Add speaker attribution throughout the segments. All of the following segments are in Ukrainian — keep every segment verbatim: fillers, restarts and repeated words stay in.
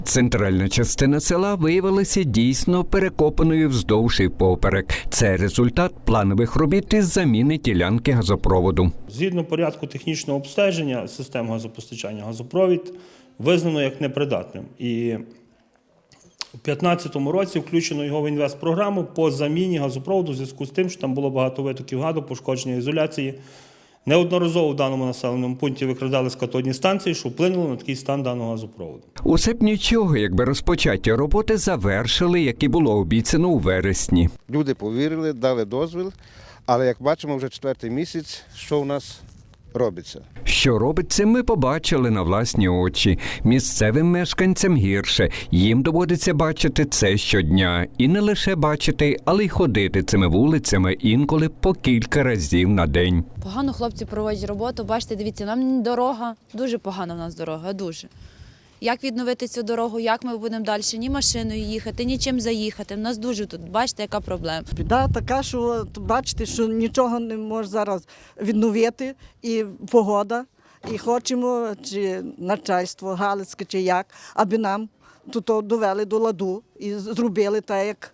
Speaker 1: Центральна частина села виявилася дійсно перекопаною вздовж і поперек. Це результат планових робіт із заміни ділянки газопроводу.
Speaker 2: Згідно порядку технічного обстеження систем газопостачання, газопровід визнано як непридатним. І у дві тисячі п'ятнадцятому році включено його в інвестпрограму по заміні газопроводу в зв'язку з тим, що там було багато витоків газу, пошкодження ізоляції. Неодноразово в даному населеному пункті викрадались катодні станції, що вплинуло на такий стан даного газопроводу.
Speaker 1: Усе б нічого, якби розпочаті роботи завершили, як і було обіцяно у вересні.
Speaker 3: Люди повірили, дали дозвіл, але, як бачимо, вже четвертий місяць, що у нас робиться.
Speaker 1: Що робиться, ми побачили на власні очі. Місцевим мешканцям гірше. Їм доводиться бачити це щодня. І не лише бачити, але й ходити цими вулицями інколи по кілька разів на день.
Speaker 4: Погано хлопці проводять роботу. Бачите, дивіться, нам дорога, дуже погана в нас дорога, дуже. Як відновити цю дорогу, як ми будемо далі ні машиною їхати, ні чим заїхати. У нас дуже тут, бачите, яка проблема.
Speaker 5: Біда така, що от, бачите, що нічого не може зараз відновити, і погода, і хочемо, чи начальство галицьке, чи як, аби нам тут довели до ладу і зробили так, як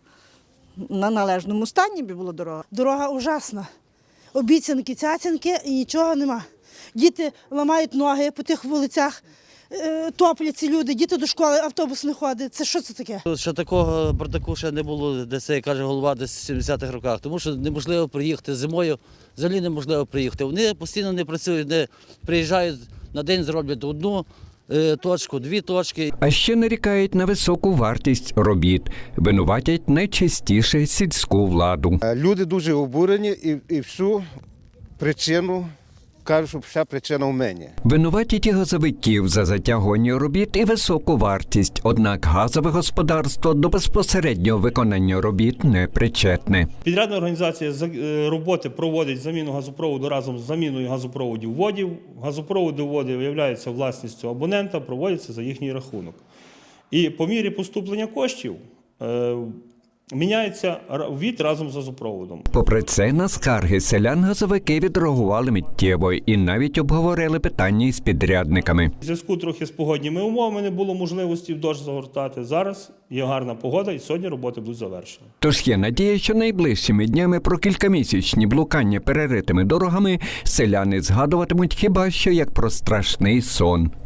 Speaker 5: на належному стані би була дорога.
Speaker 6: Дорога ужасна. Обіцянки, цяцянки і нічого нема. Діти ламають ноги по тих вулицях, топляться люди, діти до школи, автобус не ходить. Це що це таке?
Speaker 7: Ще такого бардаку ще не було, де це, каже голова, десь в сімдесятих роках, тому що неможливо приїхати зимою, взагалі неможливо приїхати. Вони постійно не працюють, не приїжджають на день, зроблять одну точку, дві точки.
Speaker 1: А ще нарікають на високу вартість робіт. Винуватять найчастіше сільську владу.
Speaker 3: Люди дуже обурені і, і всю причину кажуть, що вся причина в мені.
Speaker 1: Винуватять і газовиків за затягування робіт і високу вартість. Однак газове господарство до безпосереднього виконання робіт не причетне.
Speaker 2: Підрядна організація роботи проводить заміну газопроводу разом з заміною газопроводів водів. Газопроводи води виявляються власністю абонента, проводяться за їхній рахунок. І по мірі поступлення коштів міняється від разом з газопроводом.
Speaker 1: Попри це, на скарги селян газовики відреагували миттєво і навіть обговорили питання із підрядниками.
Speaker 2: У зв'язку трохи з погодніми умовами не було можливості в дощ загортати. Зараз є гарна погода і сьогодні роботи будуть завершені.
Speaker 1: Тож є надія, що найближчими днями про кількамісячні блукання переритими дорогами селяни згадуватимуть хіба що як про страшний сон.